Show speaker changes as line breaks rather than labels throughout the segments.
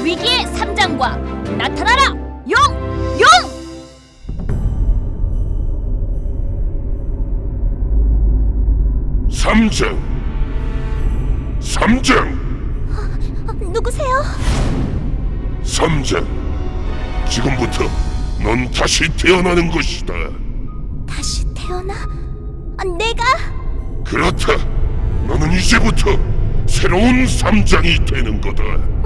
위기의 삼장과 나타나라! 용! 용!
삼장!
누구세요?
삼장! 지금부터 넌 다시 태어나는 것이다.
다시 태어나? 내가?
그렇다. 너는 이제부터 새로운 삼장이 되는 거다.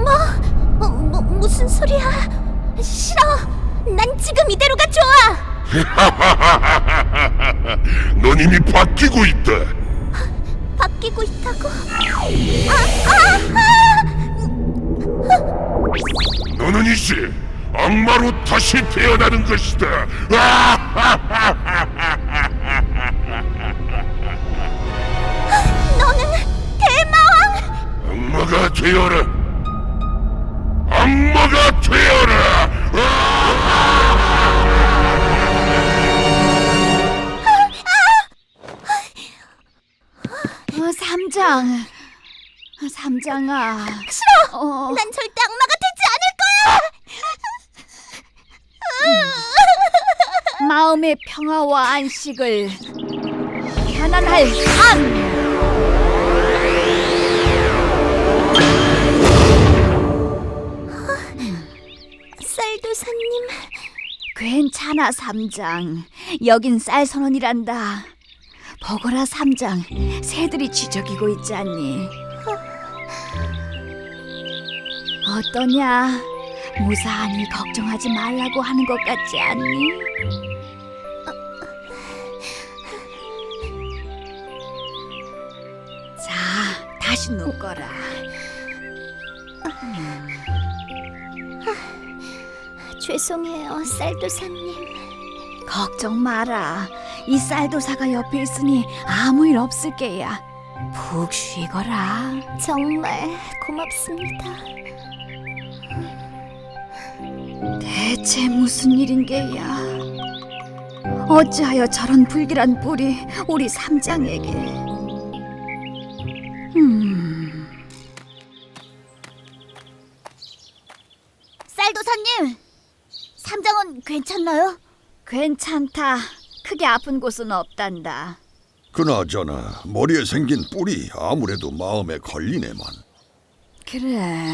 무슨 소리야? 싫어. 난 지금 이대로가 좋아.
넌 이미 바뀌고 있다.
바뀌고 있다고?
너는 이제 악마로 다시 태어나는 것이다.
너는 대마왕!
악마가 되어라. 악마가 되어라.
삼장아.
싫어!
어.
난 절대 악마가 되지 않을 거야!
마음의 평화와 안식을 편안할 삶.
쌀도사님,
괜찮아 삼장. 여긴 쌀 선원이란다. 보거라 삼장, 새들이 쥐저기고 있지 않니? 어떠냐? 무사하니 걱정하지 말라고 하는 것 같지 않니? 자, 다시 눕거라.
죄송해요, 쌀도사님.
걱정 마라. 이 쌀도사가 옆에 있으니 아무 일 없을 게야. 푹 쉬거라.
정말 고맙습니다.
대체 무슨 일인 게야? 어찌하여 저런 불길한 뿔이 우리 삼장에게?
쌀도사님, 삼장은 괜찮나요?
괜찮다. 크게 아픈 곳은 없단다.
그나저나 머리에 생긴 뿔이 아무래도 마음에 걸리네만.
그래.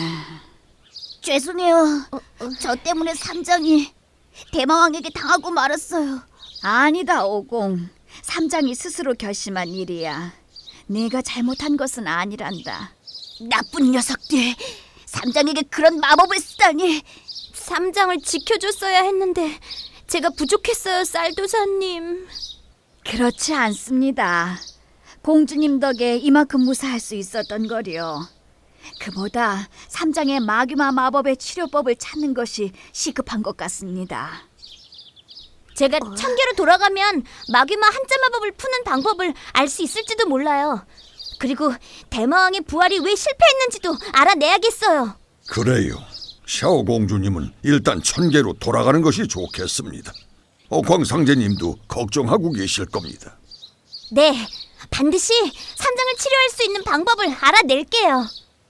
죄송해요. 저 때문에 삼장이 대마왕에게 당하고 말았어요.
아니다 오공. 삼장이 스스로 결심한 일이야. 네가 잘못한 것은 아니란다.
나쁜 녀석들, 삼장에게 그런 마법을 쓰다니. 삼장을 지켜줬어야 했는데 제가 부족했어요, 쌀도사님.
그렇지 않습니다. 공주님 덕에 이만큼 무사할 수 있었던 거려. 그보다 삼장의 마귀마 마법의 치료법을 찾는 것이 시급한 것 같습니다.
제가 천계로 돌아가면 마귀마 한자 마법을 푸는 방법을 알 수 있을지도 몰라요. 그리고 대마왕의 부활이 왜 실패했는지도 알아내야겠어요.
그래요. 샤오 공주님은 일단 천계로 돌아가는 것이 좋겠습니다. 광상제님도 걱정하고 계실 겁니다.
네, 반드시 삼장을 치료할 수 있는 방법을 알아낼게요.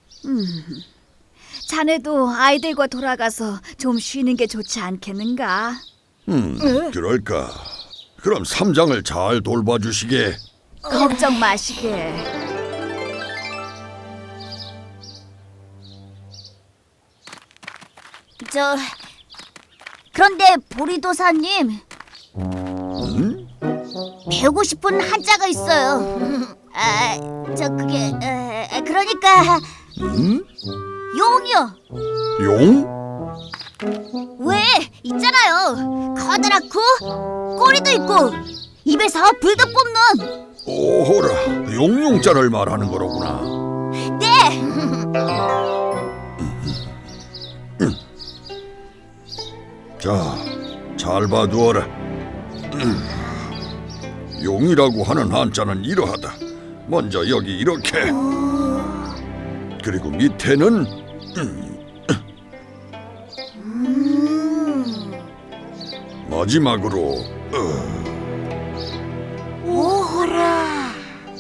자네도 아이들과 돌아가서 좀 쉬는 게 좋지 않겠는가?
그럴까. 그럼 삼장을 잘 돌봐주시게.
걱정 마시게.
그런데 보리도사님, 배우고 싶은 한자가 있어요. 그러니까 용이요.
용?
왜? 있잖아요. 커다랗고 꼬리도 있고 입에서 불도 뽑는.
오호라, 용용자를 말하는 거로구나.
네.
자, 잘 봐두어라. 용이라고 하는 한자는 이러하다. 먼저 여기 이렇게. 그리고 밑에는 마지막으로
오호라.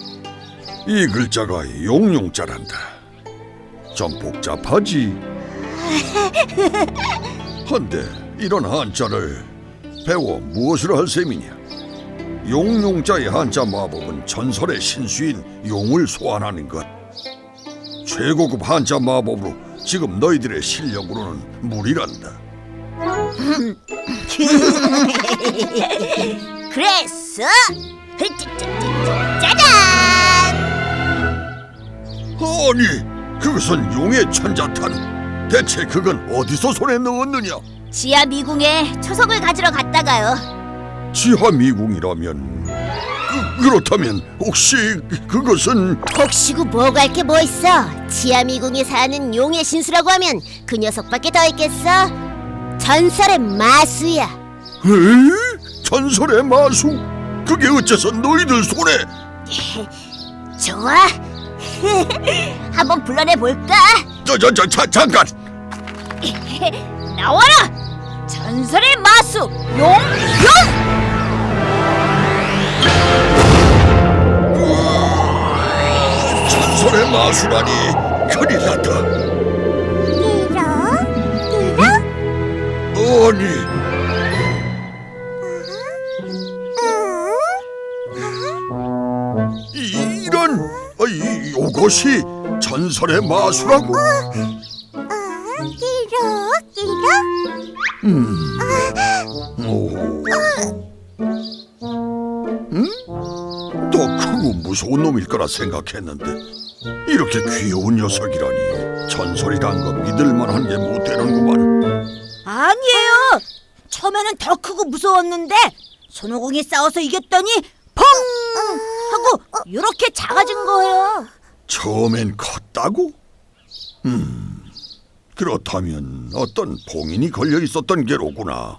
이 글자가 용용자란다. 좀 복잡하지? 헌데 이런 한자를 배워 무엇을 할 셈이냐? 용용자의 한자 마법은 전설의 신수인 용을 소환하는 것. 최고급 한자 마법으로 지금 너희들의 실력으로는 무리란다.
그랬어? 짜잔!
아니, 그것은 용의 천자탄. 대체 그건 어디서 손에 넣었느냐?
지하 미궁에 초석을 가지러 갔다가요.
지하 미궁이라면 그렇다면 혹시 그것은
혹시고 뭐가 할 게 뭐 있어? 지하미궁에 사는 용의 신수라고 하면 그 녀석밖에 더 있겠어? 전설의 마수야.
에? 전설의 마수? 그게 어째서 너희들 손에?
좋아. 한번 불러내 볼까?
잠깐!
나와라! 전설의 마수 용!
전설의 마수라니 큰일 났다. 아니, 이것이 전설의 마수라고? 더 크고 무서운 놈일 거라 생각했는데 이렇게 귀여운 녀석이라니. 전설이란 거 믿을 만한 게 못 되는구만.
아니에요. 처음에는 더 크고 무서웠는데 손오공이 싸워서 이겼더니 펑 하고 이렇게 작아진 거예요.
처음엔 컸다고? 그렇다면 어떤 봉인이 걸려 있었던 게로구나.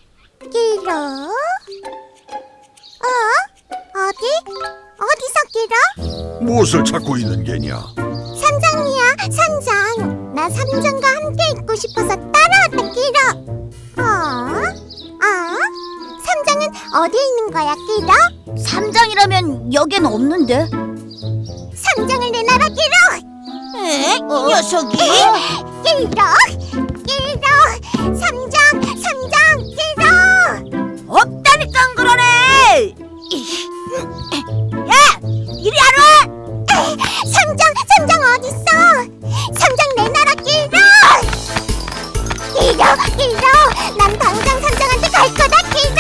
어디서 길어?
무엇을 찾고 있는 게냐?
삼장이야, 삼장. 나 삼장과 함께 있고 싶어서 따라왔다, 길어. 삼장은 어디에 있는 거야, 길어?
삼장이라면 여긴 없는데.
삼장을 내놔라, 길어.
에? 이 녀석이?
길어. 삼장, 길어.
없다니까 그러네. 야, 이리 안 와.
삼장 어딨어? 삼장 내놔라, 길어. 난 당장 삼장한테 갈 거다, 길어.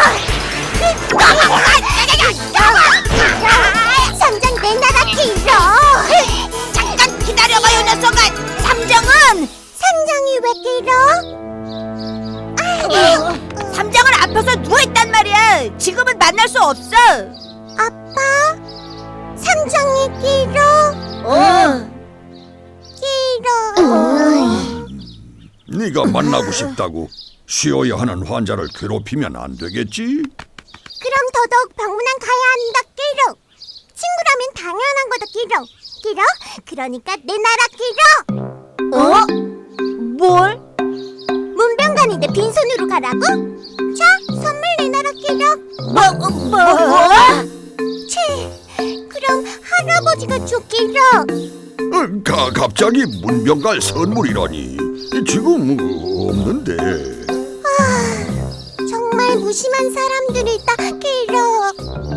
삼장 내놔라, 길어.
잠깐 기다려봐요, 녀석아. 삼장은
삼장이 왜 길어?
삼장은 아파서 누워있단 말이야. 지금은 만날 수 없어.
아빠? 삼장이 길어?
네가 만나고 싶다고 쉬어야 하는 환자를 괴롭히면 안 되겠지?
그럼 더더욱 병문안 가야 한다, 길어. 친구라면 당연한 거다, 길어. 그러니까 내놔라, 길어.
뭘?
문병관인데 빈손으로 가라고? 자, 선물 내놔라, 길어.
뭐?
그럼 할아버지가 줘, 길어.
갑자기 문병갈 선물이라니. 지금 없는데.
정말 무심한 사람들이다, 길어.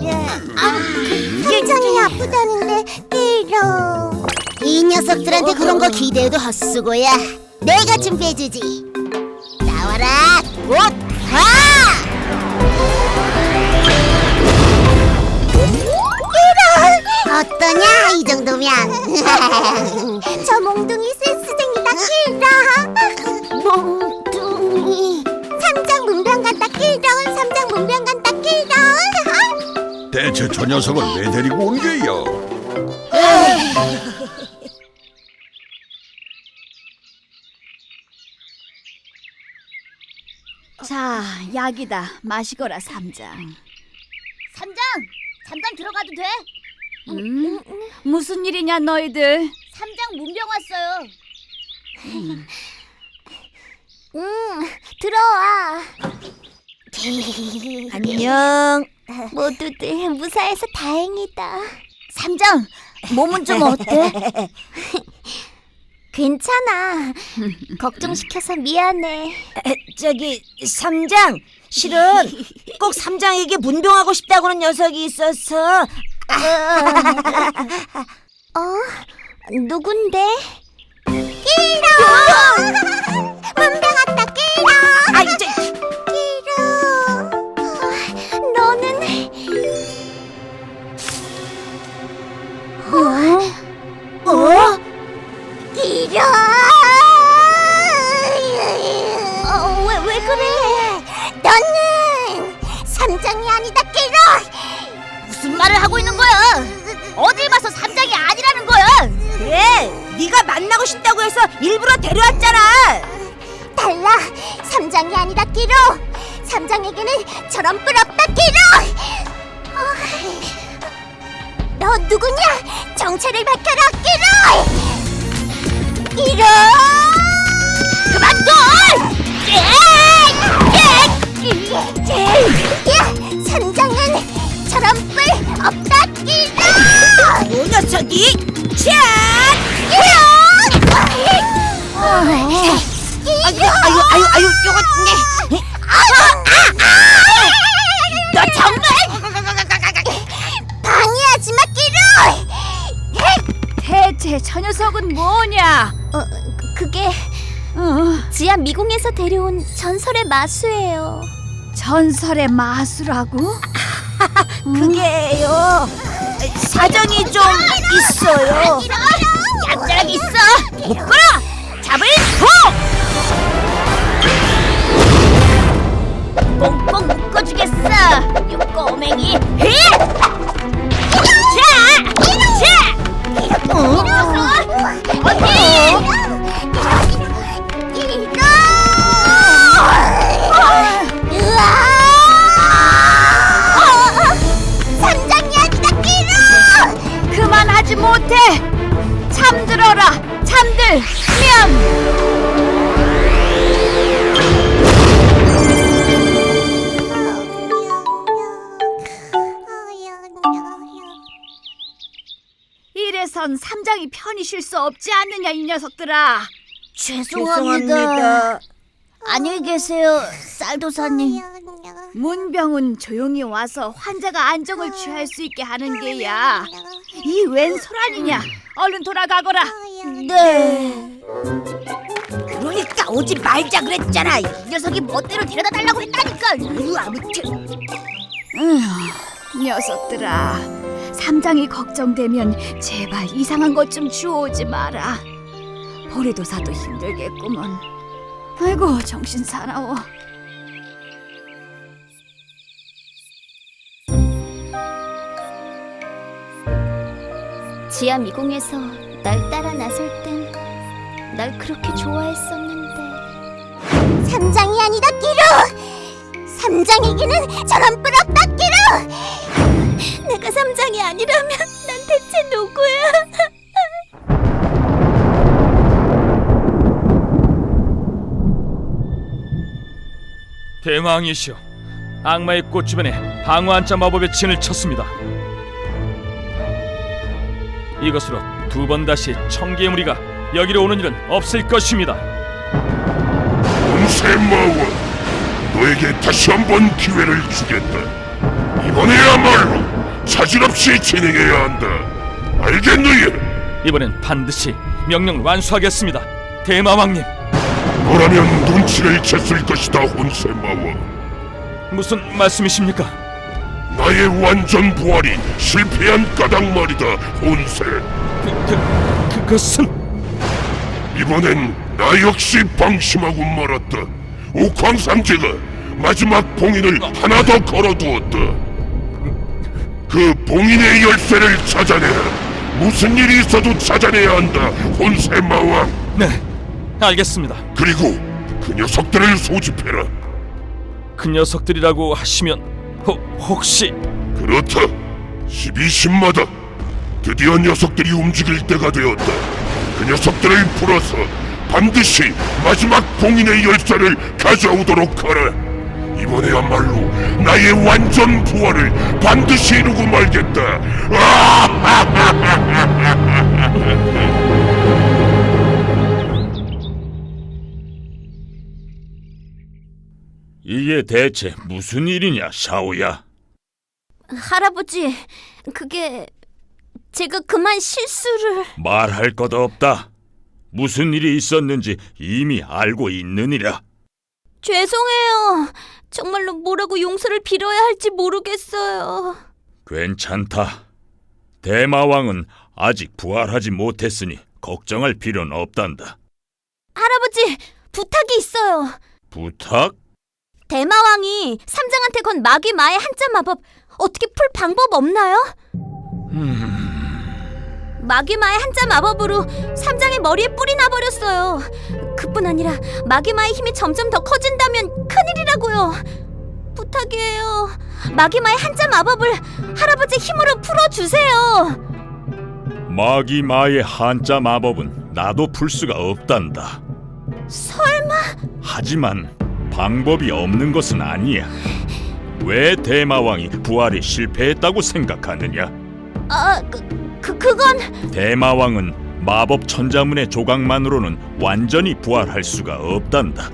삼장이 아프다는데, 길어. 이 녀석들한테 그런 거 기대해도 헛수고야. 내가 준비해주지. 나와라, 곧 가! 길어! 어떠냐, 이 정도면. 저 몽둥이 센스쟁이다, 길어. 몽둥이. 삼장 문병 간다, 길어. 삼장 문병 간다, 길어.
대체 저 녀석을 왜 데리고 온 게야?
자, 약이다. 마시거라, 삼장.
삼장, 잠깐 들어가도 돼?
무슨 일이냐, 너희들?
삼장 문병 왔어요. 들어와.
안녕.
모두들 무사해서 다행이다. 삼장, 몸은 좀 어때? 괜찮아. 걱정시켜서 미안해.
저기 삼장 실은 꼭 삼장에게 문병하고 싶다고는 녀석이 있어서.
누군데?
끼로! 문병 왔다, 끼로!
아 이제
끼로!
너는
끼로!
왜 그래?
너는 삼장이 아니다, 끼로!
무슨 말을 하고 있는 거야? 어딜 봐서 삼장이 아니라는 거야?
그래 네가 만나고 싶다고 해서 일부러 데려왔잖아.
달라! 삼장이 아니다, 끼로! 삼장에게는 저런 뿔 없다, 끼로! 너 누구냐? 정체를 밝혀라, 끼로! 끼로!
그만둬!
삼장은 저런 뿔 없다, 끼로!
이 녀석이 아유 이거
너 정말 방해하지 마, 끼로!
대체 저 녀석은 뭐냐?
그게 지하 미궁에서 데려온 전설의 마수예요.
전설의 마수라고?
그게요 사정이 좀 있어요.
얌전하게 있어! 못 끌어! 잡을 소! 꽁꽁 묶어주겠어! 이 꼬맹이! 히! 자! 어디!
삼장이 아니다, 끼로!
그만하지 못해! 잠들어라! 잠들면! 이래선 삼장이 편히 쉴 수 없지 않느냐 이 녀석들아.
죄송합니다.
안녕히 계세요, 쌀도사님.
문병은 조용히 와서 환자가 안정을 취할 수 있게 하는 게야. 이 웬 소란이냐? 얼른 돌아가거라.
네.
그러니까 오지 말자 그랬잖아. 이
녀석이 멋대로 데려다 달라고 했다니까.
아무튼
녀석들아, 삼장이 걱정되면 제발 이상한 것 좀 주워오지 마라. 보리도사도 힘들겠구먼. 아이고 정신 사나워.
지하 미궁에서 날 따라 나설 땐 날 그렇게 좋아했었는데.
삼장이 아니다, 끼로! 삼장에게는 저런 뿔 없다, 끼로!
내가 삼장이 아니라면 난 대체 누구야?
대왕이시여, 악마의 꽃 주변에 방어 한자 마법의 진을 쳤습니다. 이것으로 두 번 다시 청기의 무리가 여기로 오는 일은 없을 것입니다.
온세마와 너에게 다시 한번 기회를 주겠다. 이번에야말로 차질 없이 진행해야 한다. 알겠느냐?
이번엔 반드시 명령을 완수하겠습니다. 대마왕님,
너라면 눈치를 챘을 것이다, 온세마와.
무슨 말씀이십니까?
나의 완전 부활이 실패한 까닭 말이다, 온세.
그것은...
이번엔 나 역시 방심하고 말았다. 옥황상제가 마지막 봉인을 하나 더 걸어두었다. 그 봉인의 열쇠를 찾아내라. 무슨 일이 있어도 찾아내야 한다, 혼세마왕.
네, 알겠습니다.
그리고 그 녀석들을 소집해라.
그 녀석들이라고 하시면 혹시...
그렇다. 12신마다 드디어 녀석들이 움직일 때가 되었다. 그 녀석들을 풀어서 반드시 마지막 봉인의 열쇠를 가져오도록 하라. 이번에야말로 나의 완전 부활을 반드시 이루고 말겠다.
이게 대체 무슨 일이냐, 샤오야?
할아버지, 그게 제가 그만 실수를...
말할 것 없다. 무슨 일이 있었는지 이미 알고 있느니라.
죄송해요. 정말로 뭐라고 용서를 빌어야 할지 모르겠어요.
괜찮다. 대마왕은 아직 부활하지 못했으니 걱정할 필요는 없단다.
할아버지, 부탁이 있어요.
부탁?
대마왕이 삼장한테 건 마귀마의 한자 마법 어떻게 풀 방법 없나요? 마귀마의 한자 마법으로 삼장의 머리에 뿔이 나버렸어요. 그뿐 아니라 마귀마의 힘이 점점 더 커진다면 큰일이라고요. 부탁이에요. 마귀마의 한자 마법을 할아버지 힘으로 풀어주세요.
마기마의 한자 마법은 나도 풀 수가 없단다.
설마...
하지만 방법이 없는 것은 아니야. 왜 대마왕이 부활에 실패했다고 생각하느냐?
그건...
대마왕은 마법 천자문의 조각만으로는 완전히 부활할 수가 없단다.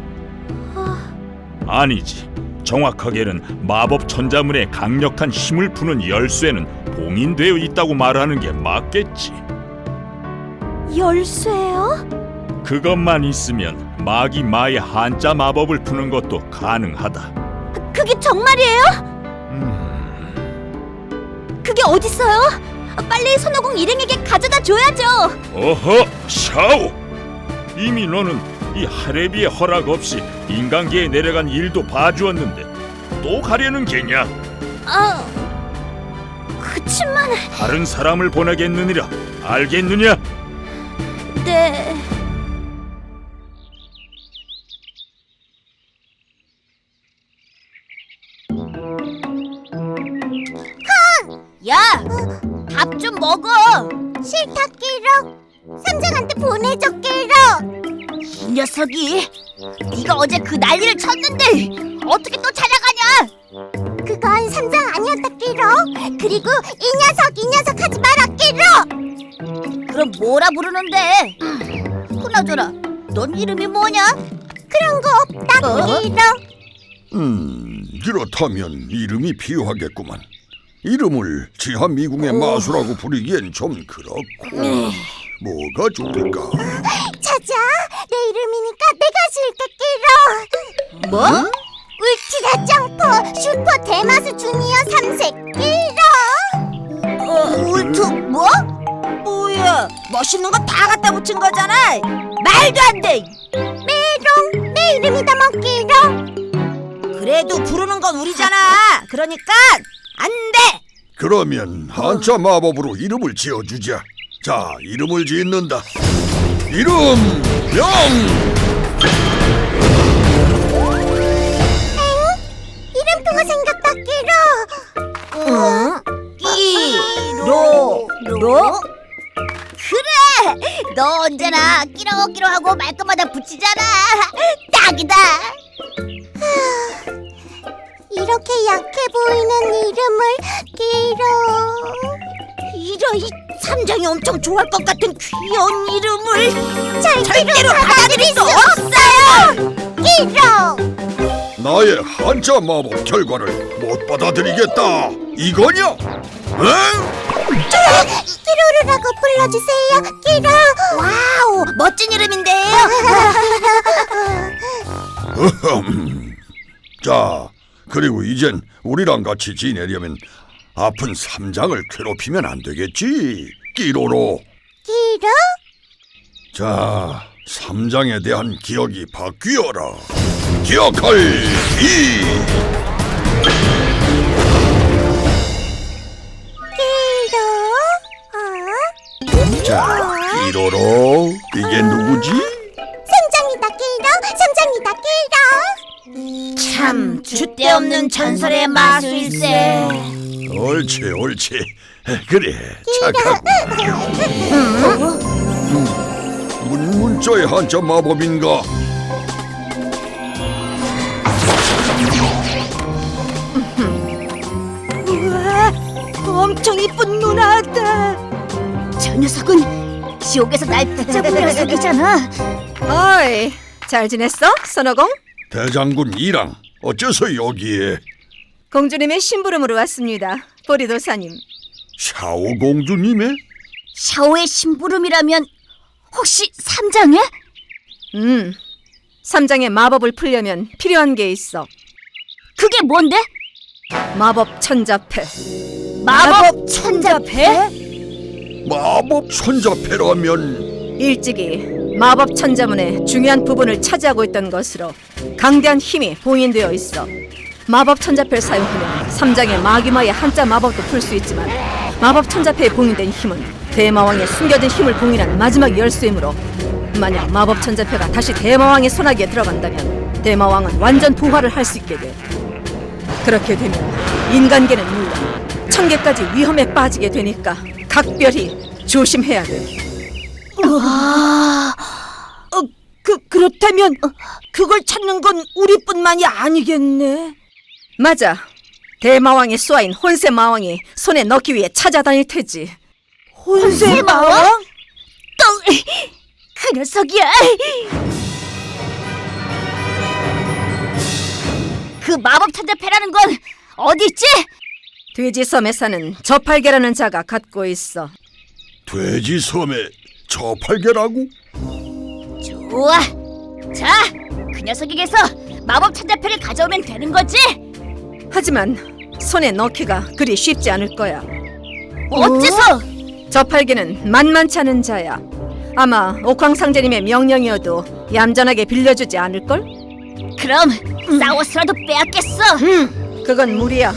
아니지. 정확하게는 마법 천자문의 강력한 힘을 푸는 열쇠는 봉인되어 있다고 말하는 게 맞겠지.
열쇠요?
그것만 있으면 마기마의 한자 마법을 푸는 것도 가능하다.
그게 정말이에요? 그게 어딨어요? 빨리 손오공 일행에게 가져다 줘야죠.
어허, 샤오! 이미 너는 이 하레비의 허락 없이 인간계에 내려간 일도 봐주었는데 또 가려는 게냐?
그치만...
다른 사람을 보내겠느니라. 알겠느냐?
네...
야, 밥 좀 먹어.
싫다 끼로. 삼장한테 보내줘 끼로.
이 녀석이 네가 어제 그 난리를 쳤는데 어떻게 또 찾아가냐?
그건 삼장 아니었다 끼로. 그리고 이 녀석 하지 마라 끼로.
그럼 뭐라 부르는데? 그나저나 넌 이름이 뭐냐?
그런 거 없다 끼로.
그렇다면 이름이 필요하겠구만. 이름을 지하미궁의 마수라고 부르기엔 좀 그렇고. 뭐가 좋을까?
찾아. 내 이름이니까 내가 줄게 끼로.
뭐?
울티라 점퍼 슈퍼 대마수 주니어 3세 끼로.
울트 뭐? 뭐야? 멋있는 거 다 갖다 붙인 거잖아. 말도 안 돼.
메롱. 내 이름이다 먹기로.
그래도 부르는 건 우리잖아. 그러니까 안 돼.
그러면 한자 마법으로 이름을 지어주자. 자, 이름을 짓는다. 이름 명.
이름표가 생겼다 끼로.
로? 그래. 너 언제나 끼러끼러 하고 말끝마다 붙이잖아. 딱이다.
이렇게 약해 보이는 이름을 끼로.
이런 삼장이 엄청 좋아할 것 같은 귀여운 이름을
절대로
받아들일 수 없어요.
끼로.
나의 한자 마법 결과를 못 받아들이겠다. 이거냐? 응?
끼로르라고 불러주세요. 끼로.
와우, 멋진 이름인데요.
자, 그리고 이젠 우리랑 같이 지내려면 아픈 삼장을 괴롭히면 안 되겠지. 끼로로.
끼로.
자, 삼장에 대한 기억이 바뀌어라. 기억할 기.
끼로.
자, 끼로로. 이게 누구지?
삼장이다 끼로. 삼장이다 끼로.
참 줏대없는 전설의 마술세.
옳지, 옳지. 그래, 착하구나. 문자의 한자 마법인가?
우와, 엄청 이쁜 누나다. 저 녀석은 지옥에서 날 붙잡은 녀석이잖아.
어이, 잘 지냈어, 선호공?
대장군 이랑 어째서 여기에?
공주님의 심부름으로 왔습니다. 보리도사님.
샤오 공주님의?
샤오의 심부름이라면 혹시 삼장의?
삼장의 마법을 풀려면 필요한 게 있어.
그게 뭔데?
마법 천자패.
마법 천자패?
마법 천자패라면
일찍이 마법 천자문의 중요한 부분을 차지하고 있던 것으로 강대한 힘이 봉인되어 있어. 마법 천자패를 사용하면 삼장의 마귀마의 한자 마법도 풀 수 있지만 마법 천자패에 봉인된 힘은 대마왕의 숨겨진 힘을 봉인한 마지막 열쇠이므로 만약 마법 천자패가 다시 대마왕의 손아귀에 들어간다면 대마왕은 완전 부활을 할 수 있게 돼. 그렇게 되면 인간계는 물론 천계까지 위험에 빠지게 되니까 각별히 조심해야 돼. 그렇다면 그걸 찾는 건 우리뿐만이 아니겠네. 맞아. 대마왕의 수하인 혼세마왕이 손에 넣기 위해 찾아다닐 테지. 혼세마왕?
그 녀석이야! 그 마법 천자패라는 건 어디 있지?
돼지섬에 사는 저팔계라는 자가 갖고 있어.
돼지섬의 저팔계라고?
좋아! 자, 그 녀석에게서 마법 천자패를 가져오면 되는 거지?
하지만 손에 넣기가 그리 쉽지 않을 거야.
어째서?
저팔계는 만만치 않은 자야. 아마 옥황상제님의 명령이어도 얌전하게 빌려주지 않을걸?
그럼 싸워서라도 빼앗겠어!
그건 무리야.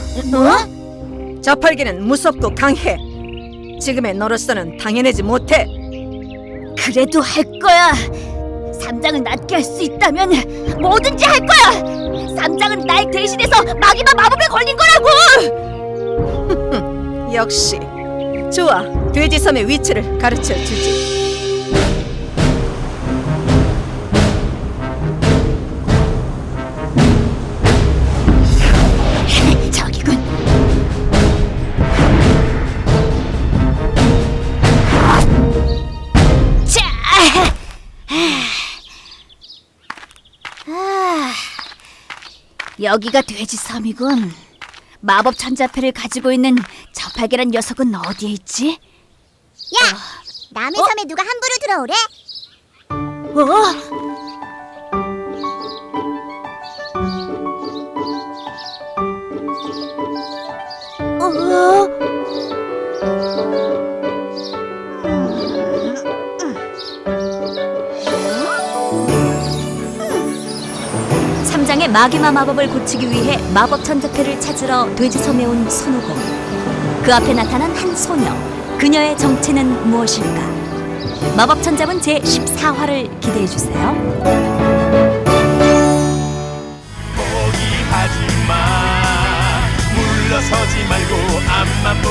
저팔계는 무섭고 강해. 지금의 너로서는 당해내지 못해.
그래도 할 거야! 삼장을 낫게 할 수 있다면 뭐든지 할 거야! 삼장은 날 대신해서 마귀마 마법에 걸린 거라고!
역시 좋아. 돼지섬의 위치를 가르쳐 주지.
저기군. 자, 여기가 돼지섬이군. 마법 천자패를 가지고 있는 저팔계란 녀석은 어디에 있지?
야, 남의 섬에 누가 함부로 들어오래?
삼장의 마귀마 마법을 고치기 위해 마법 천자패를 찾으러 돼지섬에 온 손오공. 그 앞에 나타난 한 소녀. 그녀의 정체는 무엇일까? 마법 천자문 제14화를 기대해 주세요.
포기하지 마. 물러서지 말고 앞만